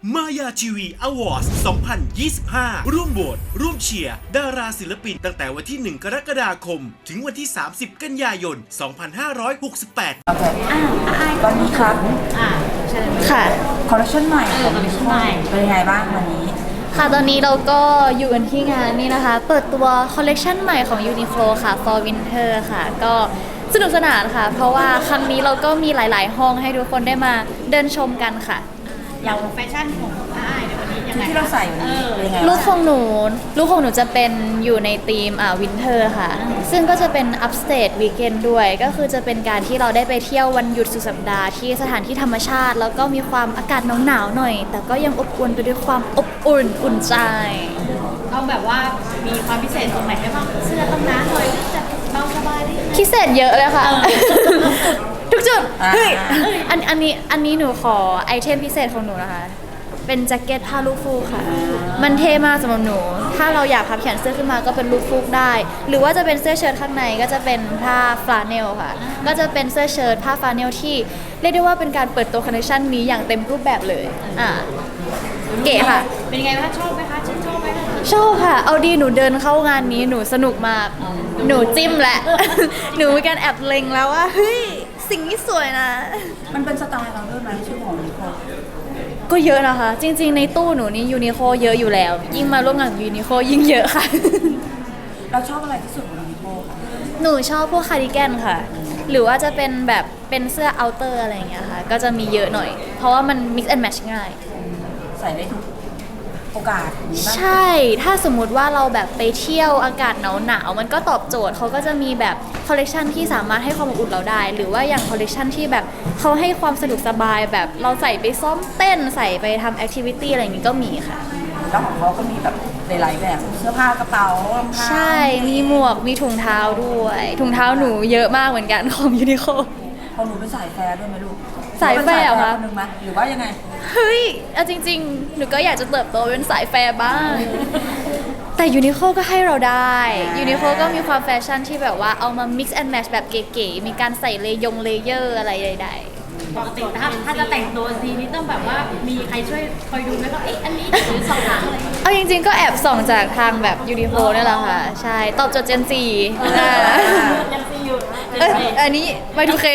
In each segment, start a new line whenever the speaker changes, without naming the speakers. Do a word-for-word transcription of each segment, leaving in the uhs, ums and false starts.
มายาทีวีอวอร์ดสองพันยี่สิบห้า ร่วมโหวตร่วมเชียร์ดาราศิลปินตั้งแต่วันที่ หนึ่ง กรกฎาคม ถึงวันที่ สามสิบ กันยายน สองพันห้าร้อยหกสิบแปด
โอเค
อ่าอ่า
ตอนนี้ครับ
อ่าใช่
ค่ะ
คอลเลคชันใหม่
เออคอลเลคชันใหม่
เป็นยังไงบ้างวันนี้
ค่ะ ตอนนี้เราก็อยู่กันที่งานนี่นะคะ เปิดตัวคอลเลกชันใหม่ของ Uniqlo ค่ะ for Winter ค่ะ ก็สนุกสนานค่ะ เพราะว่าครั้งนี้เราก็มีหลาย ๆ ห้องให้ทุกคนได้มาเดินชมกันค่ะ
อย่างแฟชั่นของอ้ายในวันนี้ยัง
ชุด
ไง
ที่เราใส่วันนี้
เออ
เป็นยังไง
ลูก
บ้าง
ของหนูลูกของหนูจะเป็นอยู่ในธีมอ่าวินเทอร์ค่ะ ซึ่งก็จะเป็น upstate weekend ด้วย ก็คือจะเป็นการที่เราได้ไปเที่ยววันหยุดสุดสัปดาห์ที่สถานที่ธรรมชาติ แล้วก็มีความอากาศหนาวๆหน่อย แต่ก็ยังอบอุ่นไปด้วยความอบอุ่นอุ่นใจ
ต้องแบบว่ามีความพิเศษตรงไหนได้บ้างเสื้อต้องหนาหน่อยจะเบาสบายได้
พิเศษเยอะเลยค่ะ
เออ
ทุกจุด
อ่า
เฮ้ยอันอันนี้อันนี้หนูขอไอเทมพิเศษของหนูนะคะ เป็นแจ็คเก็ตผ้าลูกฟูกค่ะ มันเท่มากสำหรับหนู ถ้าเราอยากพับแขนเสื้อขึ้นมาก็เป็นลูกฟูกได้ หรือว่าจะเป็นเสื้อเชิ้ตข้างในก็จะเป็นผ้าฟลาเนลค่ะ ก็จะเป็นเสื้อเชิ้ตผ้าฟลาเนลที่เรียกได้ว่าเป็นการเปิดตัวคอนเนคชั่นนี้อย่างเต็มรูปแบบเลย อ่า เก๋ค่ะ
เป็นยังไงบ้างชอบไหมคะชื่นชอบไหมคะ
ชอบค่ะ เอาดีหนูเดินเข้างานนี้หนูสนุกมาก หนูจิ้มแหละ หนูมีการแอบเล็งแล้วว่าเฮ้ยสิ่งนี้สวยนะ
มันเป็นสไตล์เราด้วยไหมชื่อของนิโคล
ก็เยอะนะคะ จริงๆในตู้หนูนี่ยูนิโคเยอะอยู่แล้ว ยิ่งมาร่วมงานกับยูนิโคยิ่งเยอะค่ะ
เราชอบอะไรที่สุดของนิโคลคะ
หนูชอบพวกคาร์ดิแกนค่ะ หรือว่าจะเป็นแบบเป็นเสื้อเอาเตอร์อะไรอย่างเงี้ยค่ะ ก็จะมีเยอะหน่อย เพราะว่ามัน mix and match ง่าย
ใส่ได้ทุกโอกาสมีบ้าง
ใช่ ถ้าสมมุติว่าเราแบบไปเที่ยวอากาศหนาวๆ มันก็ตอบโจทย์เขาก็จะมีแบบคอลเลกชันที่สามารถให้ความอบอุ่นเราได้ หรือว่าอย่างคอลเลกชันที่แบบเขาให้ความสะดวกสบายแบบเราใส่ไปซ้อมเต้นใส่ไปทำแอคทิวิตี้อะไรอย่างงี้ก็มีค่ะ
แล้วของเขาก็มีแบบหลายๆแบบเสื้อผ้ากระเป๋ารองเท้า
ใช่ มีหมวก มีถุงเท้าด้วย ถุงเท้าหนูเยอะมากเหมือนกันของยูนิโค
ของหนูเป็นสายแฟร์ด้วยไหมลูก
สายแฟร์เหรอคะ
เป็นสายแฟร์คนหนึ่งไหมหรือว่ายังไง
เฮ้ยเอาจริงๆ หนูก็อยากจะเติบโตเป็นสายแฟร์บ้าง แต่ยูนิโคก็ให้เราได้ยูนิโคก็มีความแฟชั่นที่แบบว่าเอามา mix and match แบบเก๋ๆ มีการใส่เลยงเลเยอร์อะไรใด
ปกติถ้าถ้าจะแต่งตัวทีนี้ต้องแบบว่ามีใครช่วยคอยดูไหมว่าเอ๊ะอันนี้หรือสองหางอะไรอย่างเงี้ย
ๆ เอาจริงๆ ก็แอบส่องจากทางแบบยูนิโคนี่แหละค่ะ ใช่ ตอบโจทย์เจนซี
ยังซีอยู่
เอ้ยอันนี้ไปดูเค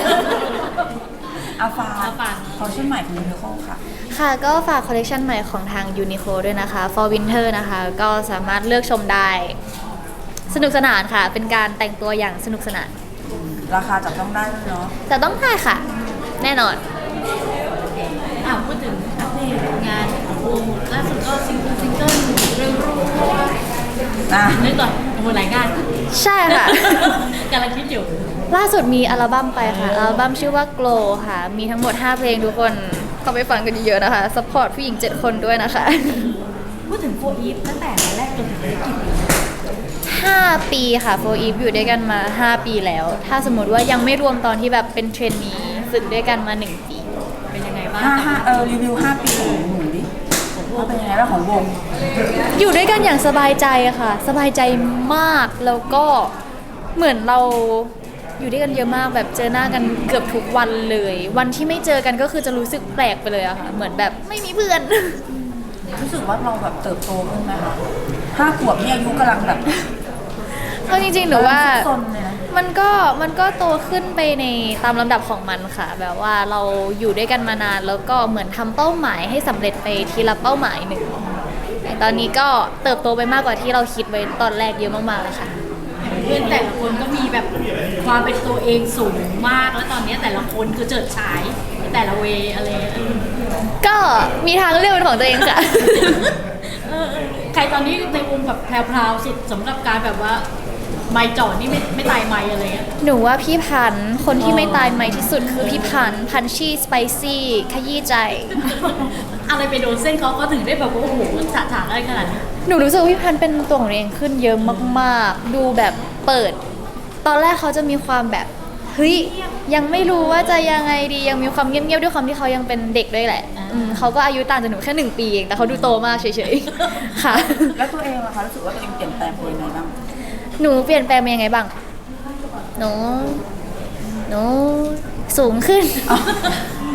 อาฟา
อาฟา
คอลเลคชันใหม่ของนิโคลค่ะ
ค่ะ ก็ฝากคอลเลคชันใหม่ของทาง Uniqlo ด้วยนะคะ for winter นะคะ ก็สามารถเลือกชมได้ สนุกสนานค่ะ เป็นการแต่งตัวอย่างสนุกสนาน
ราคาจับต้องได้ด้วยเนาะ
แต่ต้องได้ค่ะ แน่นอน
อ่าพูดถึงอัปเดตงานของวงล่าสุดก็ซิงเกิลซิงเกิลเรื่องรู้
อ่ะ
นึกก่อนโอ้โหหลายงาน
ใช่ค่ะ
กำลังคิดอยู่
ล่าสุดมีอัลบั้มไปค่ะ อัลบั้มชื่อว่า Glow ค่ะ มีทั้งหมด ห้า เพลงทุกคนเข้าไปฟังกันเยอะๆนะคะ สปอร์ตผู้หญิง เจ็ด คนด้วยนะคะ
พูดถึงโฟอีฟตั้งแต่วันแรกจนถึงวันนี้กี่ปี
ห้า ปีค่ะ โฟร์ อีฟอยู่ด้วยกันมา ห้า ปีแล้ว ถ้าสมมติว่ายังไม่รวมตอนที่แบบเป็นเทรนนีฝึกด้วยกันมา หนึ่ง ปี
เป็นยังไงบ้าง
ห้าห้าเออรีวิวห้าปีของหนูดิว่าเป็นยังไงบ้างของวง
อยู่ด้วยกันอย่างสบายใจอะค่ะ สบายใจมากแล้วก็เหมือนเราอยู่ด้วยกันเยอะมากแบบเจอหน้ากันเกือบทุกวันเลย วันที่ไม่เจอกันก็คือจะรู้สึกแปลกไปเลยอะค่ะ เหมือนแบบไม่มีเพื่อน
รู้สึกว่าเราแบบเติบโตขึ้นไหมคะห้าขวบนี่อายุกำลังแบบ
เอาจริงๆหนูว่า
ซนเลยนะ
มันก็มันก็โตขึ้นไปในตามลำดับของมันค่ะ แบบว่าเราอยู่ด้วยกันมานานแล้วก็เหมือนทำเป้าหมายให้สำเร็จไปทีละเป้าหมายหนึ่งแต่ตอนนี้ก็เติบโตไปมากกว่าที่เราคิดไว้ตอนแรกเยอะมากๆแล้วค่ะ
เพื่อนแต่ละคนก็มีแบบความเป็นตัวเองสูงมากแล้วตอนนี้แต่ละคนคือเจิดฉายในแต่ละเวย์อะไรเออ
ก็มีทางเลือกเป็นของตัวเองค่ะ
เออใครตอนนี้ในวงแบบแพรวๆสุดสำหรับการแบบว่าไม่จอดนี่ไม่ไม่ตายไม่อะไรเงี้ย
หนูว่าพี่พันธุ์คนที่ไม่ตายใหม่ที่สุดคือพี่พันธุ์พันชี่สไปซี่ขยี้ใจ
อะไรไปโดนเส้นเขาก็ถึงได้แบบว่าโอ้โหฉะฉานอะไรขนาดนี้
หนูรู้สึกว่าพี่พันธุ์เป็นตัวของตัวเองขึ้นเยอะมากๆ ดูแบบเปิด ตอนแรกเขาจะมีความแบบเฮ้ยยังไม่รู้ว่าจะยังไงดียังมีความเงียบๆด้วยความที่เขายังเป็นเด็กด้วยแหละอืมเขาก็อายุต่างจากหนูแค่หนึ่งปีเองแต่เขาดูโตมากเฉยๆ ค่ะ
แล้วตัวเองล่ะคะรู้สึกว่าตัวเองเปลี่ยนแปลงไปยังไงบ้าง
หนูเปลี่ยนแปลงเป็นยังไงบ้าง หนู หนูสูงขึ้น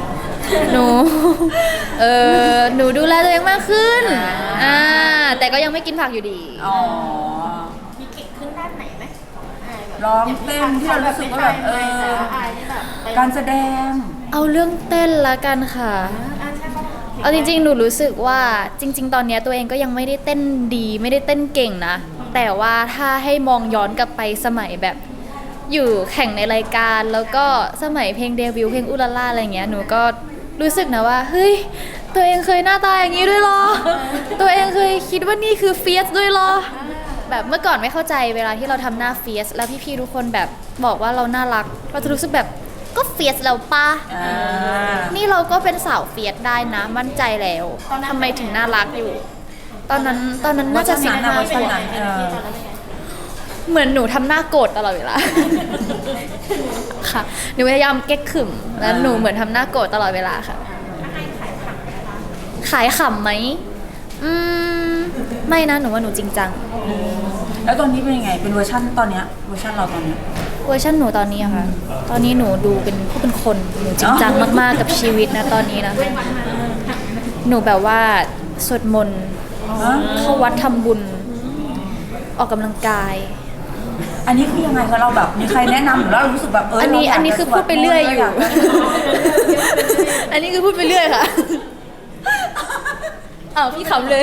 หนู เออหนูดูแลตัวเองมากขึ้น อ่า แต่ก็ยังไม่กินผักอยู่ดี
อ๋อ
มีเก่งขึ้นด้านไหนไหม
ร้องเต้นที่เรารู้สึกว่าแบบเออการแสดง
เอาเรื่องเต้นละกันค่ะ เอาจริงๆ หนูรู้สึกว่าจริง ๆ ตอนเนี้ยตัวเองก็ยังไม่ได้เต้นดีไม่ได้เต้นเก่งนะ แต่ว่าถ้าให้มองย้อนกลับไปสมัยแบบอยู่แข่งในรายการ แล้วก็สมัยเพลงเดบิวต์เพลงอุลาล่าอะไรเงี้ยหนูก็รู้สึกนะว่าเฮ้ยตัวเองเคยหน้าตาอย่างนี้ด้วยเหรอ ตัวเองเคยคิดว่านี่คือเฟียสด้วยเหรอ แบบเมื่อก่อนไม่เข้าใจเวลาที่เราทำหน้าเฟียสแล้วพี่ๆทุกคนแบบบอกว่าเราน่ารักเราจะรู้สึกแบบก็เฟียสแล้วปะ
อ่า
นี่เราก็เป็นสาวเฟียสได้นะมั่นใจแล้วทำไมถึงน่ารักอยู่ ตอนนั้นตอนนั้นน่าจะสิบ
วั
ห้า
เวอร์ชันนั้นเออ
เหมือนหนูทำหน้าโกรธตลอดเวลา ค่ะหนูพยายามเก๊กขึมแล้วหนูเหมือนทำหน้าโกรธตลอดเวลาค่ะขายขำไหมอืมไม่นะหนูว่าหนูจริงจัง
แล้วตอนนี้เป็นยังไงเป็นเวอร์ชันตอนเนี้ยเวอร์ชันเราตอนเนี้ย
เวอร์ชันหนูตอนนี้อะค่ะ ตอนนี้หนูดูเป็นผู้เป็นคน หนูจริงจังมากๆกับชีวิตนะตอนนี้นะ หนูแบบว่าสวดมนต์เข้าวัดทำบุญ ออกกำลังกาย
อันนี้คือยังไงคะเราแบบมีใครแนะนำหรือเรารู้สึกแบบเออ
อั
อั
นนี้อันนี้คือพูดไปเรื่อยอยู่ อันนี้คือพูดไปเรื่อยค่ะ อ้าวพี่ขำเลย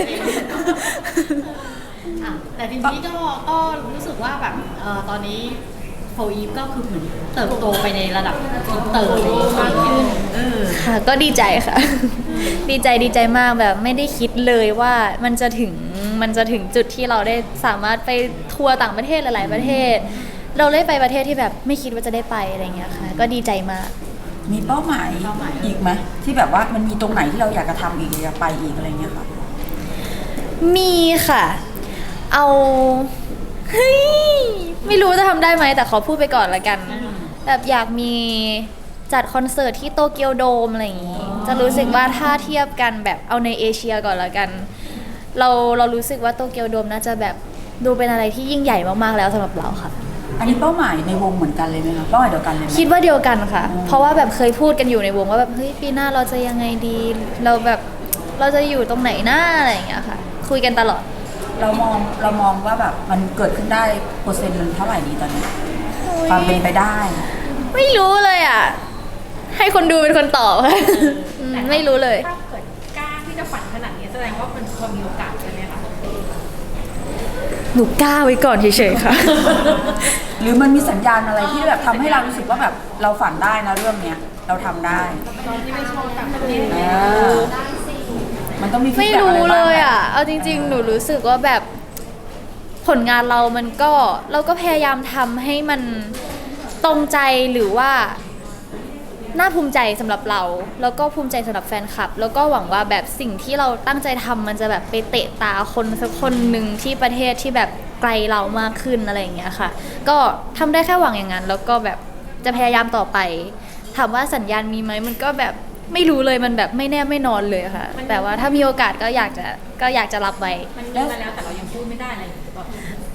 อ่ะแต่ทีนี้ก็ก็รู้สึกว่าแบบเอ่อตอนนี้โฟอีฟก็คือเหมือนเติบโตไปในระดับอินเตอร์เลยมากขึ้นเออ
ค่ะก็ดีใจค่ะ ดีใจดีใจมากแบบไม่ได้คิดเลยว่ามันจะถึงมันจะถึงจุดที่เราได้สามารถไปทัวร์ต่างประเทศหลายๆประเทศ เราได้ไปประเทศที่แบบไม่คิดว่าจะได้ไปอะไรเงี้ยค่ะ ก็ดีใจมาก
มีเป้าหมายอีกไหมที่แบบว่ามันมีตรงไหนที่เราอยากจะทำอีกอยากไปอีกอะไรเงี้ยค่ะ
มีค่ะ เอาเฮ้ยไม่รู้จะทำได้ไหมแต่ขอพูดไปก่อนละกัน แบบอยากมีจัดคอนเสิร์ตที่โตเกียวโดมอะไรอย่างงี้ จะรู้สึกว่าถ้าเทียบกันแบบเอาในเอเชียก่อนละกัน เราเรารู้สึกว่าโตเกียวโดมน่าจะแบบดูเป็นอะไรที่ยิ่งใหญ่มากๆแล้วสำหรับเราค่ะ
อันนี้เป้าหมายในวงเหมือนกันเลยไหมคะเป้าหมายเดียวกันเลยไหม
คิดว่าเดียวกันค่ะ เพราะว่าแบบเคยพูดกันอยู่ในวงว่าแบบเฮ้ยปีหน้าเราจะยังไงดี เราแบบเราจะอยู่ตรงไหนหน้าอะไรอย่างเงี้ยค่ะ คุยกันตลอด
เรามองเรามองว่าแบบมันเกิดขึ้นได้เปอร์เซ็นต์มันเท่าไหร่ดีตอนนี้ความเป็นไปได้
ไม่รู้เลยอ่ะ ให้คนดูเป็นคนตอบค่ะอืมไม่รู้เลย
ถ้าเกิดกล้าที่จะฝันขนาดนี้แสดงว่ามันพอมีโอกาสใช่ไหมคะ
หนูกล้าไว้ก่อนเฉยๆค่ะ
หรือมันมีสัญญาณอะไรที่แบบทำให้เรารู้สึกว่าแบบเราฝันได้นะเรื่องเนี้ยเราทำได้
ตอนที่ไปโชว์ต่างประเทศ
เออมันต้องมี
ไม่
feedback
รู้
อะ
เล
บ้าง
ย
ไหม
อ่ะ เอาจริง ๆ หนูรู้สึกว่าแบบผลงานเรามันก็เราก็พยายามทำให้มันตรงใจหรือว่าน่าภูมิใจสำหรับเรา แล้วก็ภูมิใจสำหรับแฟนคลับ แล้วก็หวังว่าแบบสิ่งที่เราตั้งใจทำมันจะแบบไปเตะตาคนสักคนหนึ่งที่ประเทศที่แบบไกลเรามากขึ้นอะไรอย่างเงี้ยค่ะ ก็ทำได้แค่หวังอย่างนั้นแล้วก็แบบจะพยายามต่อไป ถามว่าสัญญาณมีไหมมันก็แบบไม่รู้เลยมันแบบไม่แน่ไม่นอนเลยค่ะ แต่ว่าถ้ามีโอกาสก็อยากจะก็อยากจะรับไว้
มันมีมาแล้วแต่เรายังพูดไม่ได้อะไรแบบ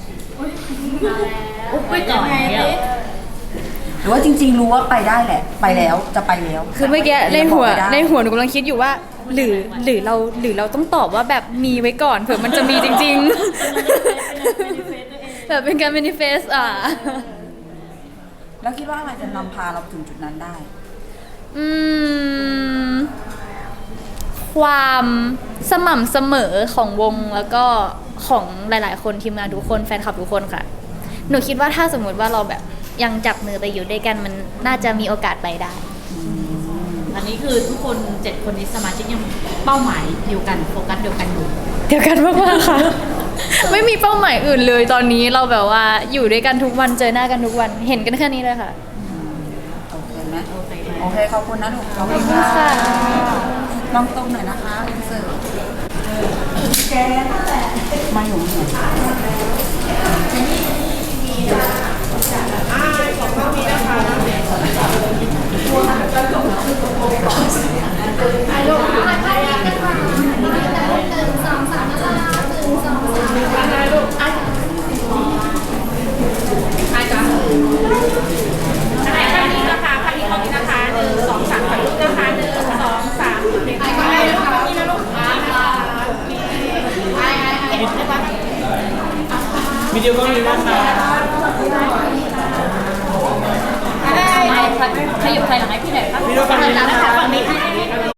อุ๊บไปก่อนเนี่ย
หรือว่าจริง ๆ รู้ว่าไปได้แหละ ไปแล้วจะไปแล้ว
คือเมื่อกี้ในหัว
แต่ยังบอกไม่ได้
ในหัวหนูกำลังคิดอยู่ว่า หรือหรือเราหรือเราต้องตอบว่าแบบมีไว้ก่อนเผื่อมันจะมีจริง ๆ แบบเป็นการ manifest อ่ะ
แล้วคิดว่าอะไรจะนำพาเราถึงจุดนั้นได้
อืม ความสม่ำเสมอของวงแล้วก็ของหลาย ๆ คนทีมงานทุกคนแฟนคลับทุกคนค่ะ หนูคิดว่าถ้าสมมุติว่าเราแบบยังจับมือไปอยู่ด้วยกันมันน่าจะมีโอกาสไปได้
อันนี้คือทุกคนเจ็ดคนนี้สมาชิกยังเป้าหมายเดียวกันโฟกัสเดียวกันอยู่
เดียวกันมากๆค่ะ ไม่มีเป้าหมายอื่นเลยตอนนี้เราแบบว่าอยู่ด้วยกันทุกวันเจอหน้ากันทุกวันเห็นกันแค่นี้เลยค่ะ
โอเคไหม
โอเค
โอเคขอบคุณนะหนูขอบคุณ
ค่ะ
ค่ะลองตรงหน่อยนะคะอินเสิร์ตแกมาอยู่หน่อย
อันไหนภาพนี้นะคะภาพนี้ของนี้นะคะหนึ่งสองสามถ่ายรูปนะคะหนึ่งสองได้ปะ
วิดีโอก็มีนะคะ
ไม่ขยุบถอยหลังให้พี่หน่อยครับ
วิดีโอฝั่งนี้นะคะ
ฝั่งนี้